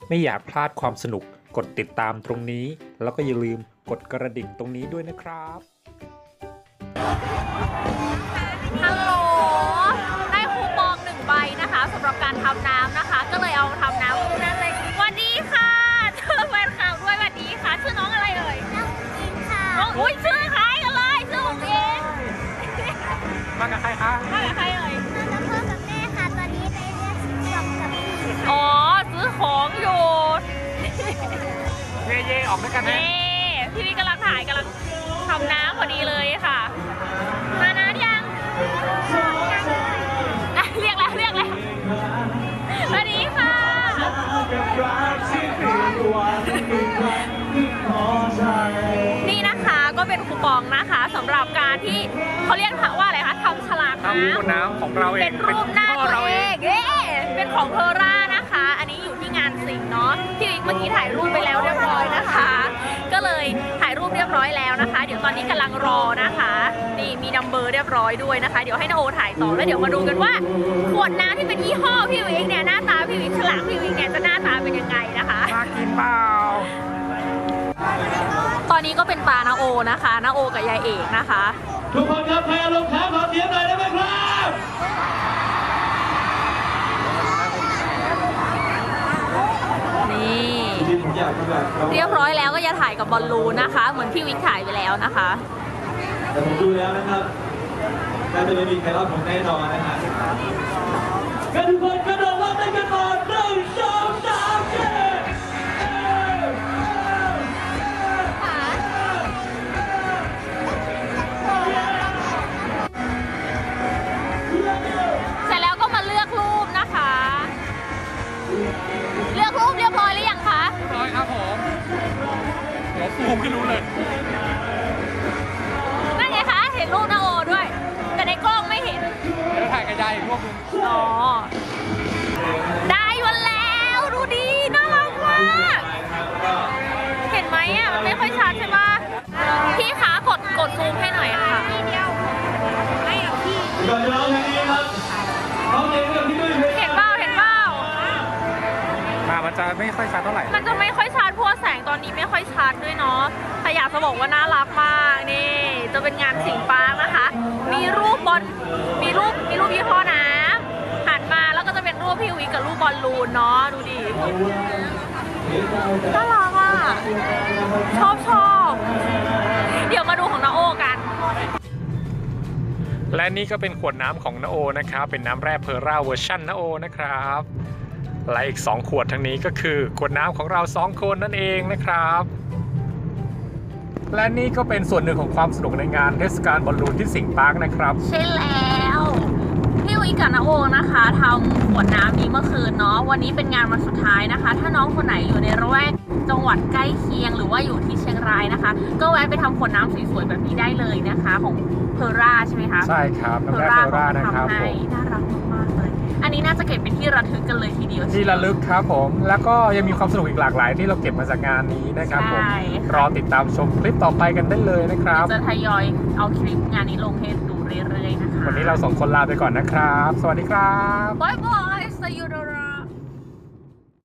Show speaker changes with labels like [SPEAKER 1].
[SPEAKER 1] ไม่อยากพลาดความสนุกกดติดตามตรงนี้ แล้วก็อย่าลืมกดกระดิ่งตรงนี้ด้วยนะครับ
[SPEAKER 2] ฮัลโหลได้คูปอง1 ใบนะคะสำหรับการทำน้ำนะคะก็เลยเอามาทำน้ำนั่นเลยสวัสดีค่ะเจอแฟนคลับด้วยสวัสดีค่ะชื่อน้องอะไรเอ่ยน้องอิงค่ะอุ้ยชื่อคล้ายกันเลยชื่อของเอง
[SPEAKER 1] มากับใครคะ
[SPEAKER 2] มากับใครเอ่ย
[SPEAKER 3] มากับพ่อกับแม่ค่ะ ตอนนี้ไปเรียกจอบกับพี่
[SPEAKER 2] อ๋อซื้อของอยู่
[SPEAKER 1] เย่ๆออกด้วยกันนะ
[SPEAKER 2] นี่พี่นี่กำลังถ่ายกำลังทำน้ำพอดีเลยค่ะมานะยังอ่ะเรียกแล้วสวัสดีค่ะนี่นะคะก็เป็นคูปองนะคะสำหรับการที่เขาเรียกว่าอะไรคะทำฉลากน้ำ
[SPEAKER 1] น้ำของเราเอง
[SPEAKER 2] เป็นรูปหน้าตัวเองเป็นของเพอร่านะคะ อันนี้อยู่ที่งานสิงห์เนาะพี่วิกเมื่อกี้ถ่ายรูปไปแล้วเรียบร้อยนะคะ ก็เลยถ่ายรูปเรียบร้อยแล้วนะคะ เดี๋ยวตอนนี้กำลังรอนะคะนี่มีนัมเบอร์เรียบร้อยด้วยนะคะเดี๋ยวให้นาโอถ่ายต่อแล้วเดี๋ยวมาดูกันว่าขวดน้ำที่เป็นยี่ห้อพี่วิกเนี่ยหน้าตาพี่วิกฉลากพี่วิกเนี่ยจะหน้าตาเป็นยังไงนะคะ
[SPEAKER 1] มากินเปล่า
[SPEAKER 2] ตอนนี้ก็เป็นตานาโอนะคะนาโอกับยายเอกนะคะ
[SPEAKER 4] ทุกคนครับใครอารมณ์ค้างขอเสียงหน่อยได้ไหมครับ
[SPEAKER 2] นี่
[SPEAKER 4] ที่ผมอยากแบบ
[SPEAKER 2] เรียบร้อยแล้วก็จะถ่ายกับบอลลูนนะคะ เหมือนพี่วิกถ่ายไปแล้วนะคะ
[SPEAKER 4] แต่ผมดูแล้วนะครับน่าจะไม่มีใครรอดผมแน่นอนนะฮะก็ทุกคนกระโดดรอบได้กันก่อน1 2 3เย้
[SPEAKER 2] เสร็จแล้วก็มาเลือกรูปนะคะ เลือกรูปเรียบร้อยหรือยังคะ
[SPEAKER 1] ร้อยครับผมเดี๋ยวซูมให้รู้เลย
[SPEAKER 2] นั่นไงคะ เห็นรูปนาโอด้วย แต่ในกล้องไม่เห็น
[SPEAKER 1] เดี๋ยวถ่ายกับยายอีกรูปนึง
[SPEAKER 2] อ๋อ ได้วันแล้วดูดีน่ารักมาก เห็นไหมอ่ะมันไม่ค่อยชัดใช่ปะพี่คะกดซูมให้หน่อยค่ะนี่เดียวไม่หรอกพี่
[SPEAKER 4] ก่อนจะร้องเพลงนี้ครับร้องเพลงกับพี่ด้วยเพลง
[SPEAKER 2] เห็นเปล่า
[SPEAKER 1] มันจะไม่ค่อยชัดเท่าไหร่
[SPEAKER 2] มันจะไม่ค่อยชัดเพราะว่าแสงตอนนี้ไม่ค่อยชัดด้วยเนาะแต่อยากจะบอกว่าน่ารักมากนี่จะเป็นงานสิงห์ปาร์คนะคะ มีรูปบอลมีรูปยี่ห้อน้ำหันมาแล้วก็จะเป็นรูปพี่วิกกับรูปบอลลูนเนาะดูดิน่ารักอ่ะชอบเดี๋ยวมาดูของนาโอกัน
[SPEAKER 1] และนี่ก็เป็นขวดน้ำของนาโอนะครับเป็นน้ำแร่เพอร่าเวอร์ชันนาโอนะครับและอีก2ขวดทั้งนี้ก็คือขวดน้ำของเรา2คนนั่นเองนะครับและนี่ก็เป็นส่วนหนึ่งของความสนุกในงานเทศกาลบอลลูนที่สิงห์ปาร์คนะครับ
[SPEAKER 2] ใช่แล้วพี่วิกกับนาโอนะคะทำขวดน้ำนี้เมื่อคืนเนาะวันนี้เป็นงานวันสุดท้ายนะคะ ถ้าน้องคนไหนอยู่ในระแวกจังหวัดใกล้เคียงหรือว่าอยู่ที่เชียงรายนะคะ ก็แวะไปทำขวดน้ำสวยๆแบบนี้ได้เลยนะคะของเพอร่าใช่ไหมคะ
[SPEAKER 1] ใช่ครับน้ำแร่เพอร่านะครับผม
[SPEAKER 2] น่ารักมากๆเลย อันนี้น่าจะเก็บเป็นที่ระลึกกันเลยทีเดียว
[SPEAKER 1] ที่ระลึกครับผมแล้วก็ยังมีความสนุกอีกหลากหลายที่เราเก็บมาจากงานนี้นะครับผม
[SPEAKER 2] ใช่
[SPEAKER 1] รอติดตามชมคลิปต่อไปกันได้เลยนะครับ
[SPEAKER 2] จะทยอยเอาคลิปงานนี้ลงให้ดูเรื่อยๆนะคะ
[SPEAKER 1] วันนี้เรา2คนลาไปก่อนนะครับ สวัสดีครับ
[SPEAKER 2] บายบาย see you